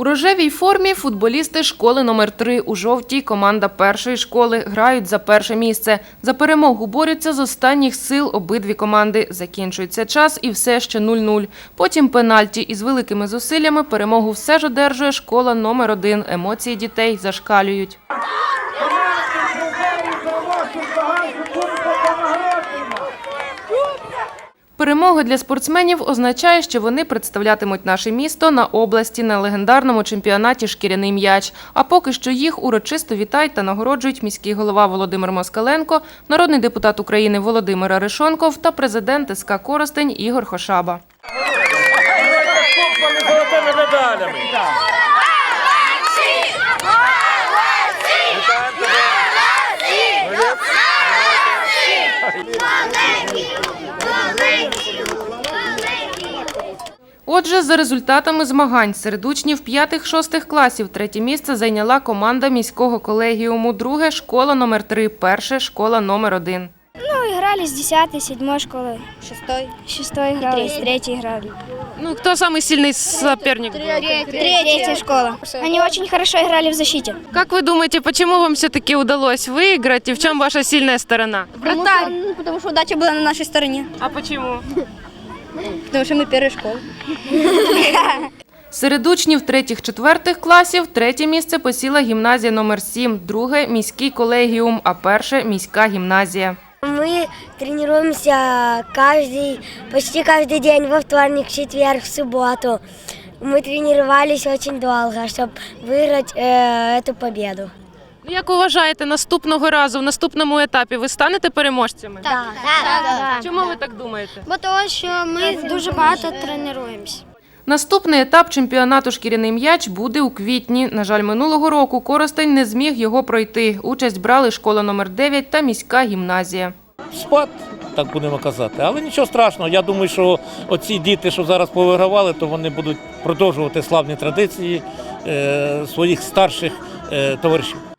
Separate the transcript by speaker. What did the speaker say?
Speaker 1: У рожевій формі футболісти школи номер 3, у жовтій – команда першої школи, грають за перше місце. За перемогу борються з останніх сил обидві команди. Закінчується час і все ще 0-0. Потім пенальті. Із великими зусиллями перемогу все ж одержує школа номер 1. Емоції дітей зашкалюють. Перемога для спортсменів означає, що вони представлятимуть наше місто на області на легендарному чемпіонаті «Шкіряний м'яч». А поки що їх урочисто вітають та нагороджують міський голова Володимир Москаленко, народний депутат України Володимир Арешонков та президент СК «Коростень» Ігор Хошаба. Отже, за результатами змагань серед учнів 5-6 класів третє місце зайняла команда міського колегіуму, друге – школа номер 3, перше – школа номер 1.
Speaker 2: Играли с 10-й, 7-й школы. 6-й играли, с 3-й играли.
Speaker 1: Кто самый сильный соперник?
Speaker 2: Третья школа. Они очень хорошо играли в защите.
Speaker 1: Как вы думаете, почему вам все-таки удалось выиграть и в чем ваша сильная сторона?
Speaker 2: Потому что удача была на нашей стороне.
Speaker 1: А почему?
Speaker 2: Потому что мы первая школа.
Speaker 1: Серед учнів 3-4 класів третє місце посіла гімназія номер 7, друге – міський колегіум, а перше – міська гімназія.
Speaker 3: Мы тренируемся почти каждый день, во вторник, в четверг, в субботу. Мы тренировались очень долго, чтобы выиграть эту победу.
Speaker 1: Як вважаєте, наступного разу, в наступному етапі ви станете переможцями?
Speaker 3: Так.
Speaker 1: Чому ви так думаєте?
Speaker 2: Бо тому, що ми дуже багато тренуємося.
Speaker 1: Наступний етап чемпіонату «Шкіряний м'яч» буде у квітні. На жаль, минулого року Коростень не зміг його пройти. Участь брали школа номер 9 та міська гімназія.
Speaker 4: Спад, так будемо казати. Але нічого страшного. Я думаю, що оці діти, що зараз повигравали, то вони будуть продовжувати славні традиції своїх старших товаришів.